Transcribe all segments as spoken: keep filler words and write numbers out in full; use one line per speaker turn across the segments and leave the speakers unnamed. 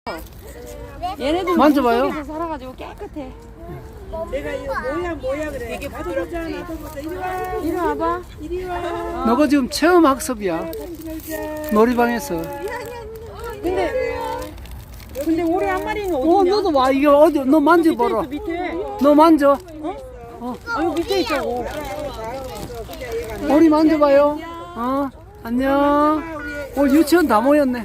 얘네들
만져봐요.
물속에서 살아가지고 깨끗해.
내가 이거 뭐야 뭐야 그래. 되게 부드럽잖아. 이리 와.
이리 와봐.
이리 와.
너가 지금 체험 학습이야. 놀이방에서.
근데 근데 올해 한 마리는
어,
어디냐?
너도 와. 이게 어디? 너 만져봐라.
밑에.
너 만져.
아 여기 밑에 있다고.
머리 만져봐요. 어, 안녕. 어, 유치원 다 모였네.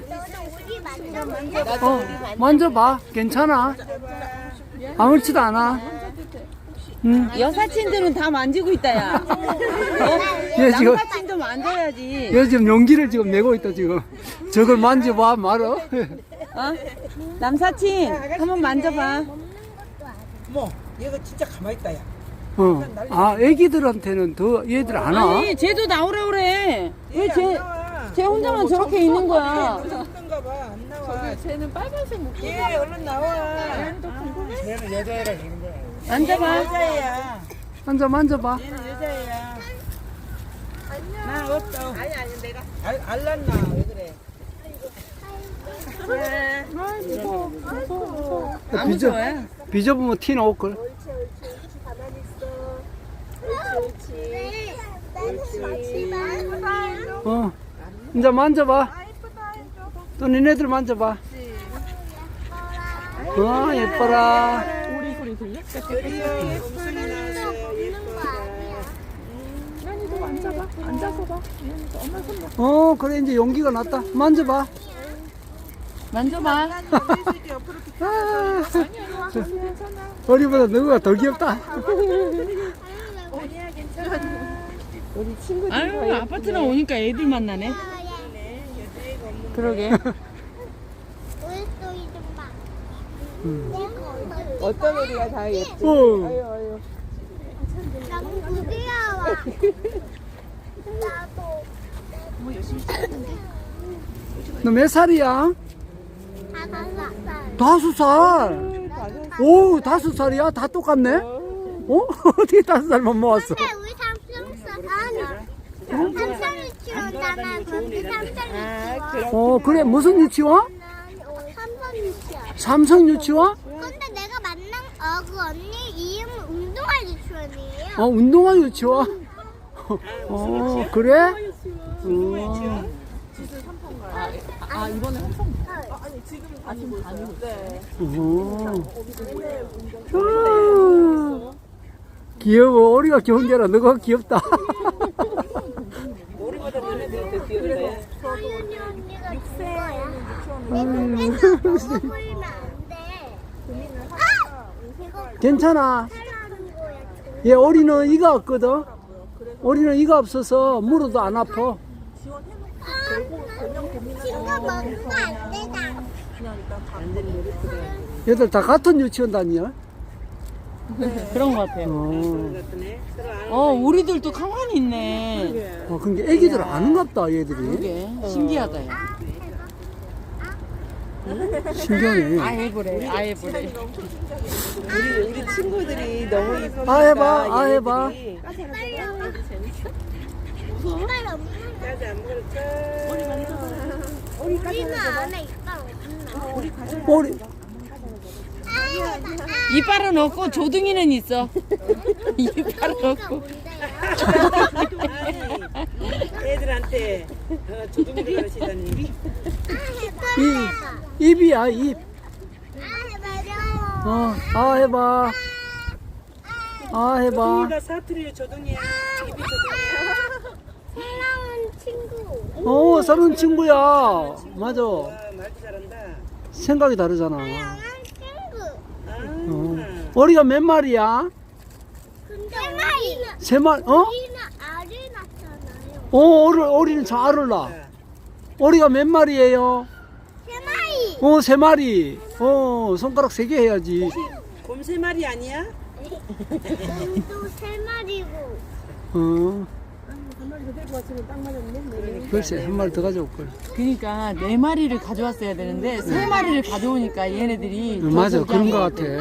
어, 만져봐. 괜찮아. 아무렇지도 않아. 응.
여사친들은 다 만지고 있다야.
얘 지금,
남사친도 만져야지.
얘 지금 용기를 지금 내고 있다, 지금. 저걸 만져봐, 말어.
어? 남사친 한번 만져봐.
어머, 얘가 진짜 가만히 있다 야.
어. 아, 애기들한테는 더 얘들 안 와.
아니 쟤도 나오라 그래. 왜 쟤
나와.
쟤 혼자만 저렇게 있는 거야?
그런가 봐. 안 나와.
쟤는 빨간색 목소리.
얘 얼른 나와. 쟤는 여자애라 그런 거야.
만져봐.
여자애야.
앉아, 만져봐.
얘는 여자애야. 나 없어. 아니 아니 내가 알 알랐나 왜 그래?
무서워 무서워 무서워.
야,
안
비져,
무서워요?
비져보면 티 나올걸. 어. 이제 만져봐. 또 니네들 만져봐. 어, 예뻐라.
우리 소리 들려?
드디어 곰순이 나왔어요. 예뻐라.
난이도 앉아봐. 앉아서 봐. 엄마 손 봐.
어, 그래, 이제 용기가 났다. 만져봐.
만져봐.
아, 우리보다 너가 더 귀엽다.
아유 아파트나 오니까 애들 만나네. 그러게.
어떤 우리가 다 예뻐.
어.
너무 귀여워. 나도
너 몇 살이야?
다섯 살.
다섯 살. 오, 다섯 살이야? 다 똑같네? 어? 어떻게 다섯 살만 모았어?
근데 우리 삼성 아니. 삼성 유치원잖아. 근데 삼성 유치원.
어, 그래. 무슨 유치원?
삼성 유치원.
삼성 유치원?
근데 내가 만난 어, 그 언니 이름은 운동화 유치원이에요.
어, 운동화 유치원? 어, 그래? 어.
아 이번에 한성
어. 귀여워. 우리가 귀여운 게 아니라 너가 귀엽다.
우리보다 너네들이 더 귀여워.
서윤이 언니가 누구야? 내 눈에서 먹어 보이면 안 돼. 아! 이거
괜찮아.
하는 거야.
얘 오리는 이가 없거든. 오리는 이가 없어서 물어도 안 아파.
친구 먹으면 안 되다.
얘들 다 같은 유치원 다니냐?
그런 것 같아요.
어,
어 우리들도 가만히 있네.
어 근데 애기들 아는갑다 얘들이.
그게 신기하다. 야.
신기하네.
아예 그래. 아예 그래.
우리 우리 친구들이 너무 이쁘니까.
아 해봐, 아 해봐.
빨리 와봐. 이빨 없는 거.
까지 안 먹을까?
우리는 안에 이빨 없나?
오리.
이빨은 없고 조둥이는 있어. 이빨은 없고.
아니, 애들한테 어, 조둥이를 가르치다니.
이 입이야 입.
아,
어, 아 해봐. 아 해봐.
조둥이가 사투리 조둥이야. 입이 조둥이야.
사랑하는 친구.
어, 사는 친구야. 맞아.
아, 말도 잘한다.
생각이 다르잖아.
사랑하는 친구.
아,
어. 오리가 몇 마리야?
근데 우리는,
세 마리. 어?
우리는 알을 낳잖아요.
어, 오리, 오리는 잘 알을 낳아. 오리가 몇 마리예요?
세 마리.
어, 세 마리. 어, 손가락 세 개 해야지.
곰 세 마리 아니야?
곰도 세 마리고.
어. 글쎄, 한 마리 더 가져올 걸.
그러니까 네 마리를 가져왔어야 되는데 세 마리를 가져오니까 얘네들이
어, 맞아,
저기
그런 거
하고.
같아.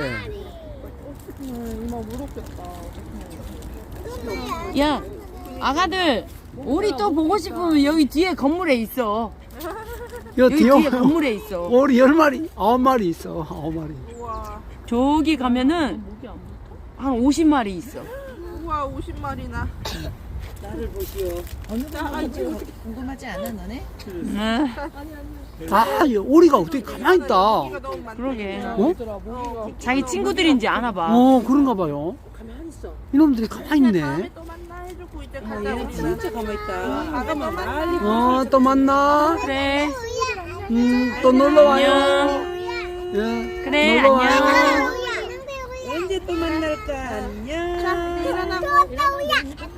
야 아가들 우리 또 보고 싶으면 여기 뒤에 건물에 있어.
여
여기
뒤에
뒤에 건물에 있어.
오리 열 마리, 아홉 마리 있어. 아홉 마리.
우와.
저기 가면은 한 오십 마리 있어.
우와 오십 마리나.
나를 보시오. 어느 정도 궁금하지 않아 너네?
응.
아, 이 오리가 어떻게 가만히 있다.
고기가 너무 많네.
그러게.
어?
자기 친구들인지 아나 봐.
어, 그런가 봐요.
가만히 있어.
이놈들이 가만히 있네.
다음에 또 만나 해주고 이제 가자
얘는
우리는.
진짜 가만히 있다.
아가만 많이.
어, 또 만나.
그래.
음, 또 놀러 와요.
안녕.
예.
그래,
놀러
안녕.
와요.
언제 또 만날까? 안녕.
일어나고.
또 우야.